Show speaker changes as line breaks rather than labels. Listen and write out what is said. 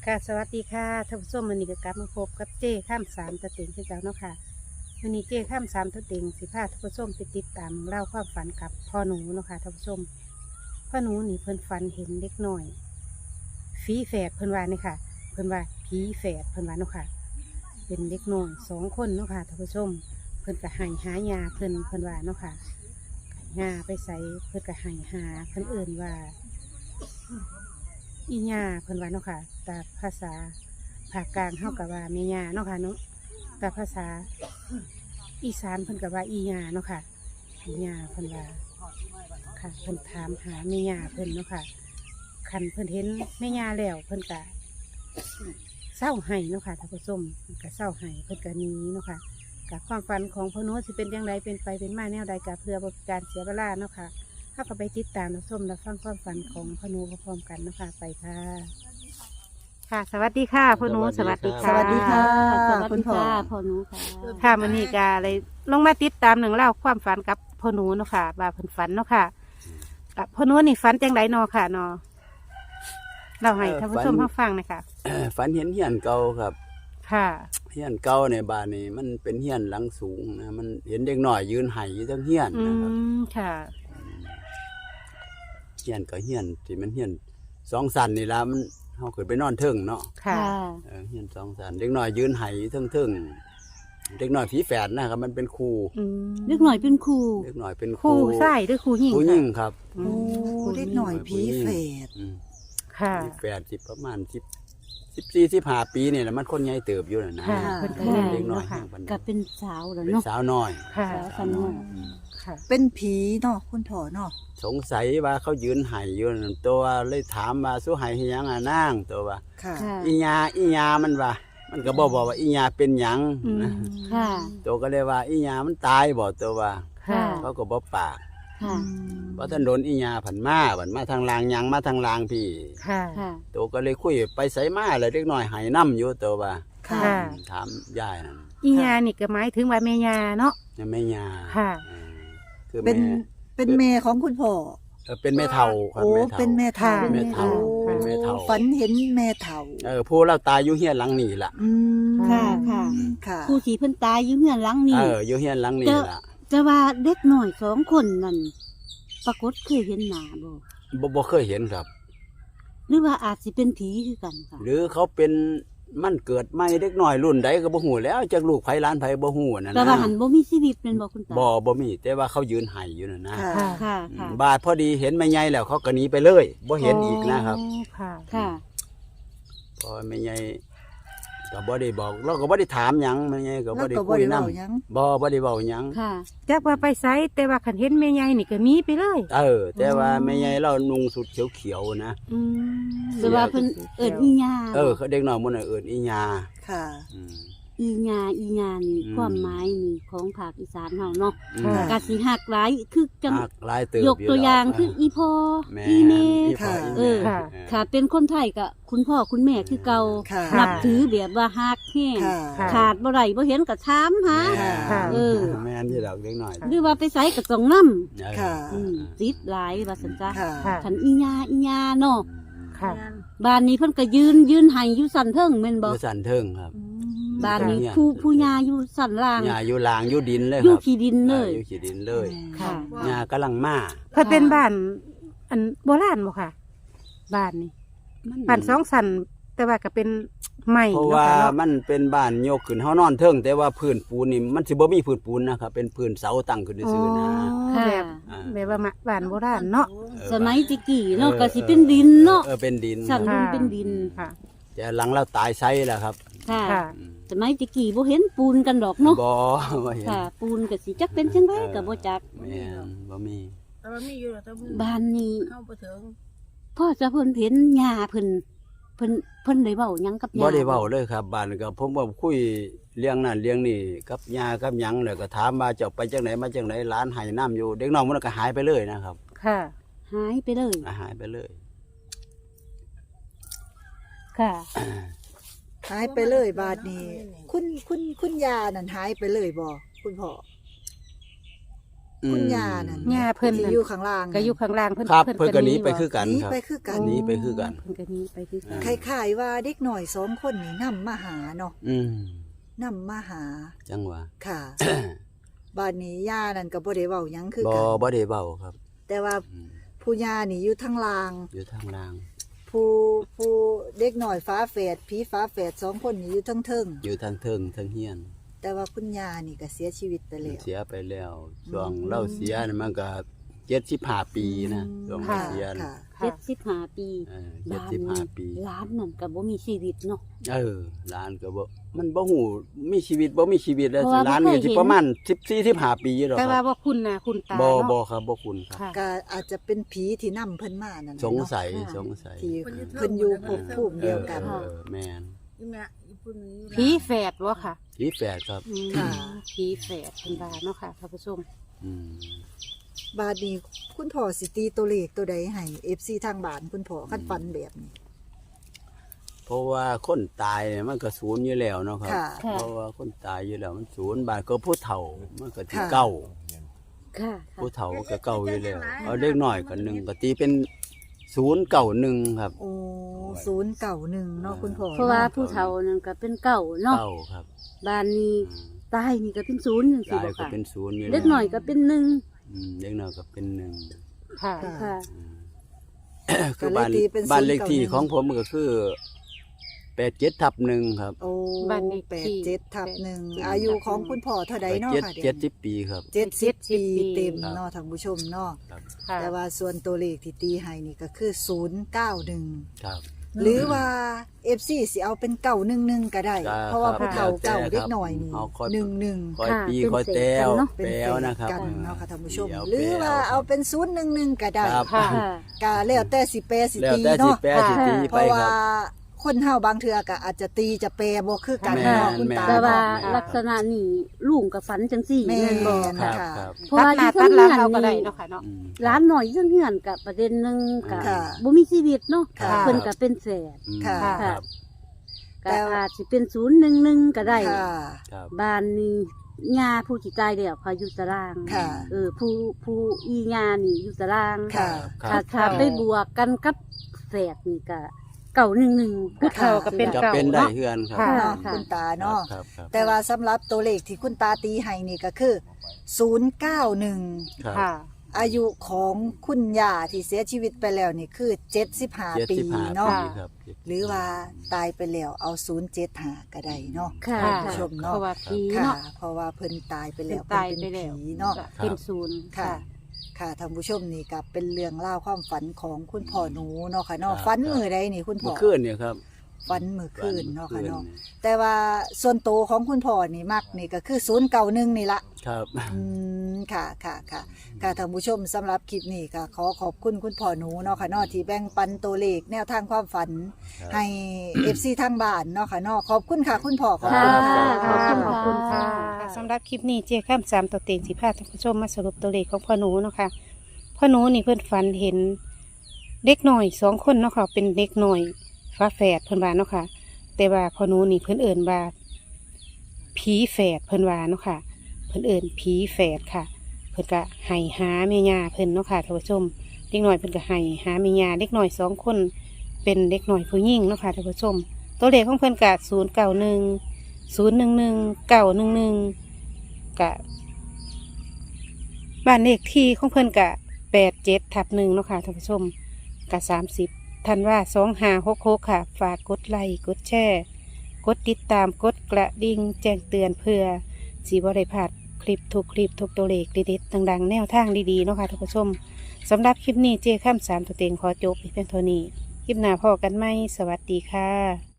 ค่ะสวัสดีค่ะท่านผู้ชมวันนี้ก็กลับมาพบกับเจ้ข้ามสามตะเต็งที่เจ้าเนาะค่ะวันนี้เจ้ข้ามสามตะเต็งสิพาท่านผู้ชมไปติดตามเล่าความฝันกับพ่อหนูเนาะค่ะท่านผู้ชมพ่อหนูนี่เพิ่นฝันเห็นเด็กน้อยฝีแฝดเพิ่นว่านี่ค่ะเพิ่นว่าผีแฝดเพิ่นว่าเนาะค่ะเป็นเด็กน้อย2 คนเนาะค่ะท่านผู้ชมเพิ่นก็ให้หายาเพิ่นว่าเนาะค่ะยาไปใส่เพิ่นก็ให้หาเพิ่นเอิ่นว่าอีหญ้าเพิ่นว่าเนาะค่ะแต่ภาษาภาคกลางเฮากับว่าแม่หญ้าเนาะค่ะเนาะแต่ภาษาอีสานเพิ่นกับว่าอีหญ้าเนาะค่ะอีหญ้าเพิ่นว่าค่ะเพิ่นถามหาแม่หญ้าเพิ่นเนาะค่ะคันเพิ่นเห็นแม่หญ้าแล้วเพิ่นก็เศร้าไห้เนาะค่ะท่านผู้ชมเพิ่นก็เศร้าไห้เพิ่นก็หนีเนาะค่ะกับความฝันของพ่อโน้ตสิเป็นจังไดเป็นไปเป็นมาแนวใดก็เพื่อบ่เป็นการเสียเวลาเนาะค่ะถ้าก็ไปติดตามรับชมรับฟังความฝันของพ่อโน้ตพร้อมๆกันเนาะค่ะไปค่ะ ค่ะสวัสดีค่ะพ่อหนูสวัสดีค่ะ
สวัสดีค่ะ
สวัส
คุ
ดี
ณพ่อ
ค่ะพ่อหนูค่ะ
ค่ะมื้อนี้ก็เลยลงมาติดตามหนึ่องเล่าความฝันกับพ่อหนูเนาะค่ะว่าเพิ่นฝันเนาะค่ะกับพ่อหนูนี่ฝันจังไดเนาะค่ะเนาะเราให้ท่านผู้ชมเฮาฟังหน่อยค่ะ
ฝันเห็นเฮียนเก่าครับ
ค่ะ
เฮียนเก่าในบ้านนี่มันเป็นเฮียนหลังสูงนะมันเห็นเด็กน้อยยืนไห้อยู่ทั้งเฮียน
อื
นะครับ
มค่ะ
เฮียนก็เฮียนที่มันเฮียน2 ชั้นนี่ล่ะมันเฮาขึ้นไปนอนเทิงเนาะ
ค่ะ
เฮียน2 ชั้นเด็กน้อยยืนไห้อยู่เทิงเด็กน้อยผีแฝดนะครับมันเป็นครู
อืม
เล็กหน่อยเป็นครู
เด็กน้อยเป็นค
คู่
รู
ชายหรือคู่หญิง
ผู้หญิงครับ
อื
โอ้
ม
เด็กหน่อยผีเฟด
อืม
ค่ะ
ผีแฝดสิประมาณ14-15 ปีนี่แหละมันคนใหญ่เติบอยู่น่ะนะ
ค่ะเพิ่นก็
เด็
เล่น
กน้อย
เนาะค่ะ
แห่งปัน
กับเป็นสาวแล้ว
เป็น
เนาะ
สาวน้อย
ค่ะ
สาวน้อย
ค่ะ
เป็นผีเนาะคุณพ่อเนาะ
สงสัยว่าเขายืนไห้อยู่นั่นตัวเลยถามว่าสู้ไห้ให้หยังอ่ะนางตัวว่า
ค่ะ
ค่ะ
อีญามันว่า มันก็บอกว่าอีญาเป็นหยัง
อืม
นะ
ค่ะ
ตัวก็เลยว่าอีญามันตายบ่ตัวว่า
ค่ะ
เขาก็บ่ปาก
ค่ะ
เพราะท่านโดนอีญาผันมาทางลางหยังมาทางลางพี่
ค่ะ
ค่ะ
ตัวก็เลยคุยไปไสมาเลยเด็กน้อยไห้นํอยู่ตัวว่า
ค่ะ
ค่ะ
ถามยายนั่น
อีหยานี่ก็หมายถึงว่าแม่ยาเนาะ
แม่ญา
ค่ะ
คือ
เป็น
แม่
เป็นแม่ของคุณพ่อ
เป็นแม่เฒ่าครับ
โอ้
แม่เฒ่า
เป็นแม่เฒ่า
เป็นแม่เฒ่า
โอ้
เป็นแม่เฒ่า
ฝันเห็นแม่เฒ่า
ผู้เราตายอยู่เฮียนหลังนี่ล่ะ
อืม
ค่ะค่ะ
ค่ะ
ผู้สีเพิ่นตายอยู่เฮือนหลังนี้
อยู่เฮียนหลังนี่ล่ะ
แต่ว่าเด็กหน่อย2 คนนั่นปรากฏเคยเห็นหน้าบ่
บ่เคยเห็นครับ
หรือว่าอาจสิเป็นผีคือกันค่ะ
หรือเขาเป็นมันเกิดใหม่เด็กน้อยรุ่นใดก็บ่ฮู้แล้วจากลูกไผหลานไผบ่ฮู้นั่น
แต่
นะ
ว่าหันบ่มีชีวิตเป็นบ่คุณตา
บ่มีแต่ว่าเขายืนไห้อยู่นั่นนะ
ค่ะ
ค่ะ
ค่ะ
อื
ค่ะ
มบาดพอดีเห็นแม่ใหญ่แล้วเขาก็หนีไปเลยบ่เห็นอีกนะครับ
อ๋อค่ะ
ค่ะ
พอแม่ใหญ่ก็บ่ได้บอกเราก็บ่ได้ถามหยังแม่ใหญ่ก็
แล้
บ่
ว
ได้
ก็บ่
คุย
ได้
นํ
เล่าหยัง
บ่ได้เว้าหยัง
ค่ะ
จักว่าไปไสแต่ว่าคันเห็นแม่ใหญ่นี่ก็มีไปเลย
แต่ว่าแม่ใหญ่เรานุ่งสุดเขียวๆนะ
อืม
แต่ว่าเพิ่นเอิ้นอีหญ้า
เขาเด็กน้อยมื้อนั้นเอิ้นอีญา
ค่ะ
อืม
อีหญ้าอีหญ้านี่
อืม
ความหมายนี่ของภาคอีสานเฮาเนาะ
อืม
ค่ะ
กะสิหักหลายคือจัง
หักหลายเติบ
ยกตัวอย่างคืออีพ่อ
แม่
อีแม่
อีพ่ออี
เอ
แม่
อ
ค่ะ
ค่ะเป็นคนไทยก็คุณพ่อคุณแม่คือเก่า
ค่ะ
ค่ะ
นับถือแบบว่าฮักแห้ง
ค่ะ
ค่ะ
ขาดบ่ได้บ่เห็นก็ถามหา
แม่
ค่ะ
เออ
แม่นที่ดอกเด็กน้อย
หรือว่าไปไสก็ต้องนำ
ค่ะ
ติดหลายว่าซั่นจ้ะ
ค่ะ
ค่ะ
คันอีหญ้าเนาะ
ค่ะ
บ้านนี้เพิ่นก็ยืนให้อยู่สั่นเทิงแม่นบ่
อยู่สันเทิงครับ
บ้านนี้
เนี่ย
ผู้หญ้าอยู่สั่นล่าง
หญ้าอยู่ลางอยู่ดินเลย
อ
ค
ยู่
รับ
ขี้ดินเลย
อยู่ขี้ดินเลย
ค่ะ
หญ้ากำลังมา
เพิ่นเป็นบ้านอันโบราณบ่ค่ะ บ้านนี่บ้าน2 ชั้นแต่ว่าก็เป็นไม้
เพราะ
เนาะ
ว่า
ค่ะเนาะ
มันเป็นบ้านโยกขึ้นเฮานอนเทิงแต่ว่าพื้นปูนนี่มันสิบ่มีพื้นปูนนะครับเป็นพื้นเสาตั้งขึ้นซื่อๆนะ
ค่ะ
แบบ
อ่า
แบบว่าบ้านโบราณเนาะ
สมัยตะกี้เนาะก็สิเป็นดินเนาะ
เป็นดิน
สั่น
ค่ะ
เป็นดิน
ค่ะ
แต่หลังเราตายไซแล้วครับ
ค่ะ
ค่ะ
อืม
สมัยตะกี้บ่เห็นปูนกันดอกเนาะ
บ่บ่เห็น
ค่ะ ปูนก็สิจักเป็นจังไดก็บ่จัก
แม่นบ่มี
แต่ว่ามีอยู่แต่ว่า
บ้านนี้
เข้าไปถึง
พ่อจะเพิ่นเห็นหญ้าเพิ่นได้เว้าหยังกับหญ้า
บ่ได้เว้าเลยครับบ้านก็ผมว่าคุยเรื่องนั้นเรื่องนี้กับย่ากับหยังแล้วก็ถามว่าเจ้าไปจังไหนมาจังไหนหลานให้น้ำอยู่เด็กน้อยมันก็หายไปเลยนะครับ
ค่ะ
หายไปเลย
หายไปเลย
ค่ะ
หายไปเลยบาดนี้ คุณยานั่นหายไปเลยบ่คุณพ่อคุณย่านั่น
ย่าเพิ่น
ที่
นั่น
อยู่ข้างล่าง
ก็อยู่ข้างล่างเพิ่น
ครับเพิ่นก็หนีไป
บ่
คือกัน
หนี
ครับ
ไปคือกัน
หนีไปคือกัน
เพิ่นก็หนีไปคือกัน
คล้ายๆว่าเด็กหน่อย2คนนี่นำมาหาเนาะ
อืม
นำมาหา
จังหวะ
ค่ะ บ้านนี้ย่านั่นก็บ่ได้เว้าหยังคือ
บ่
กัน
บ่ได้เว้าครับ
แต่ว่า
อืม
ผู้ย่านี่อยู่ทางล่าง
อยู่ทางล่าง
ผู้เด็กหน่อยฟ้าแฝดผีฟ้าแฝด2คนนี่อยู่เทิง
อยู่ทางเทิงทางเฮียน
ๆแต่ว่าคุณย่านี่ก็เสียชีวิตไปแล้ว
เสียไปแล้วช่วงเล่าเสียนี่มันก็75ปีนะช่วง
ค่ะ
เสียนะ
ค่ะ
75 ปี บ้านนี้
75ปี
ร้านนั่นก็บ่มีชีวิตเนาะ
หลานก็บ่มันบ่ฮู้มีชีวิตบ่มีชีวิตแล้ว
เพราะว่า
หลาน
บ่
นี่
เคย
สิ
เห็น
ประมาณ14-15ปีอยู่ดอก
แต่
ค
ว่า
รับ
บ่คุณหน้าคุณตา
บ่
เนาะ
บ่ครับบ่คุณครับ
ค่ะ
ก็อาจจะเป็นผีที่นำเพิ่นมานั่นแหละ
สง
เนาะ
สัย
ค่ะ
สงสัย
ที่เพิ่นอยู่ภพภูมิเดียวกัน
แม่น
ผีแฝดบ่ค่ะ
ผีแฝดครับ
อืม
ค่ะ
ผีแฝดเพิ่นว่าเนาะค่ะท่านผู้ชม
อืม
บาดนี้คุณพ่อสิตีตัวเลขตัวใดให้ FC ทางบ้านคุณพ่อคันฝันแบบนี้
เพราะว่าคนตายเนี่ยมันก็ศูนย์อยู่แล้วเนาะครับ
ค่ะ
เพราะว่าคนตายอยู่แล้วมันศูนย์บาทก็ผู้เฒ่ามันก็ที่
ค่ะ
เก้า
ค่ะ
ผู้เฒ่าก็เก้าอยู่แล้วเอาเด็กน้อยก็หนึ่งก็ตีเป็น091ครับ
โอ้091เนาะคุณพ่อ
เพราะว่าผู้เฒ่านั่นก็เป็นเก่าเนาะ
เก้าครับ
บ้านนี้
อืม
ตายนี่ก็เป็นศูนย์จังซี่
ตาย
บ่
ก็
ค่ะ
เป็นศูนย์อยู่แล้ว
เล็กหน่อยก็เป็นหนึ่ง
เด็กน้อยก็เป็นหนึ่ง
ค่ะ
ค่ะ
คือบ้าน
ก็เลยตีเป็น
บ้านเลขที่
091
ของผมก็คือ87/1ครับ
โอ้
บ้านเลขที่
87/1อายุของคุณพ่อเท่าใดเนาะค่ะ
70 ปีครับ
70 ปีเต็ม
ครับ
เนาะท่านผู้ชมเนาะ
ครับ
ค่ะ
แต่ว่าส่วนตัวเลขที่ตีให้นี่ก็คือ091
ครับ
หรือว่า FC สิเอาเป็น911ก็ได้
ครับ
เพราะว่าผู้เฒ่า
ครับ
เก่าเด็กหน่อยนี่
เอาค่อย
11
คอย
ค่ะ
ปี
เป็น
คอย
เศษ
แต้ว
กันเนาะ
เป็น
แปลวนะครับ
กันเนาะค่ะท่านผู้ชม
เดี๋ยว
หรือว่า
แปลว
เอาเป็น011ก็ได้
ครับ
ค่ะ
ค่ะ
ก็แล้วแต่สิแปลสิ
แล้ว
ตี
แต่สิ
เนาะ
แปลสิตี
เพ
ไป
ราะ
ค
ว่า
รับ
คนเฮาบางเทื่อก็อาจจะตีจะแปลบ่คือกัน
แม่น
เนาะคุณตา
แต่ว่า
เนาะ
ลักษณะนี่ลุงกับฝันจังสี่
แม่
แม่นบ่
น
ครั
ค่ะ
บครับ
เพราะว่า
ตัดห
ที่
น้า
เพิ่
ตัด
น
หลัง
เฮือน
เราก็ได้
นี่
เนาะค่ะเนาะ
อืม
ร้านหน่อยจังเฮือนกับประเด็นหนึงกับ
ค่ะ
บ่มีชีวิตเนาะ
ค่ะ
เพิ่นก็เป็นแสน
อืม
ค่ะ
ครับ
ก็อาจสิเป็น011ก็ได้
ค่ะ
ครับ
บ้านนี้ย่าผู้ที่ตายแล้วเขาอยู่ตาราง
ค่ะ
ผู้อีย่านี่อยู่ตาราง
ค่ะ
ครับ
ถ้าไปบวกกันกับแสดนี่ก็911
ผู้เฒ่าก็เป็น
จะ
เก่า
เป็นได้
เนาะ
เฮือนครับ
ค่ะ
เนาะ
ค่ะ
คุณตาเนาะ
ครับครับ
แต่ว่าสำหรับตัวเลขที่คุณตาตีให้นี่ก็คือ091
ครับ
ค่ะ
อายุของคุณย่าที่เสียชีวิตไปแล้วนี่คือ75 ปี
75
เนาะ
ปีครับ
หรือว่าตายไปแล้วเอา075ก็ได้เนาะ
ค่ะ
ค่ะ
ผู้ชมเนาะ
เพราะว่าผี
ค่ะ
เนาะ
เพราะว่าเพิ่นตายไป
เป็
แล้
น
ว
ตาย
เพิ่น
ไป
เป็น
แล้ว
ผีเนาะ
ก็เป็นศูนย์
ค่ะ
ค่ะ
ค่ะท่านผู้ชมนี่ก็เป็นเรื่องเล่าวความฝันของคุณพ่อหนูเนาะค่ะเนาะ
ครับ
ฝันมื้อใดนี่คุณพ่
เมื่
อ
อคืนเนี่ยครับ
ฝันมื้อคืนเนาะค่ะ
มื่อ
เนาะ
คื
แต่ว่าส่วนโตวของคุณพ่อนี่มักนี่ก็คือ091นี่ละ
ครับ
ค่ะค่ะค่ะค่ะท่านผู้ชมสำหรับคลิปนี้ก็ขอขอบคุณคุณพ่อหนูเนาะค่ะเนาะที่แบ่งปันตัวเลขแนวทางความฝัน
ครับ
ให้ FC ทางบ้านเนาะค่ะเนาะขอบคุณค่ะคุณพ่อขอบ
ค่ะ
คุณค่ะ
ขอบคุณค่ะ
สำหรับคลิปนี้เจ๊ข้ามสามตัวเต็งสิพาท่านผู้ชมมาสรุปตัวเลขของพ่อหนูเนาะค่ะพ่อหนูนี่เพื่อนฝันเห็นเด็กหน่อย2 คนเนาะค่ะเป็นเด็กหน่อยฟ้าแฝดเพื่อนว่าเนาะค่ะ แต่ว่าพ่อหนูนี่เพื่อนเอิ่นว่าผีแฝดเพื่อนว่าเนาะค่ะ เพื่อนเอิ่นผีแฝดค่ะ เพื่อนก็ให้หาแม่ย่าเพื่อนเนาะค่ะท่านผู้ชมเด็กหน่อยเพื่อนก็ให้หาแม่ย่าเด็กหน่อย2 คนเป็นเด็กหน่อยผู้หญิงเนาะค่ะท่านผู้ชม ตัวเลขของเพื่อนกะ091 011 911กะบ้านเลขที่ของเพื่อนกะ87/1เนาะค่ะท่านผู้ชมกะ30ธันวา2566ค่ะ ฝากกดไลค์กดแชร์กดติดตามกดกระดิ่งแจ้งเตือนเพื่อสิบ่ได้พลาดคลิปทุกตัวเลขเด็ดๆดังๆแนวทางดีๆเนาะค่ะท่านผู้ชมสำหรับคลิปนี้เจ้ข้ามสามตัวเต็งขอจบเพียงเท่านี้คลิปหน้าพอกันไหมสวัสดีค่ะ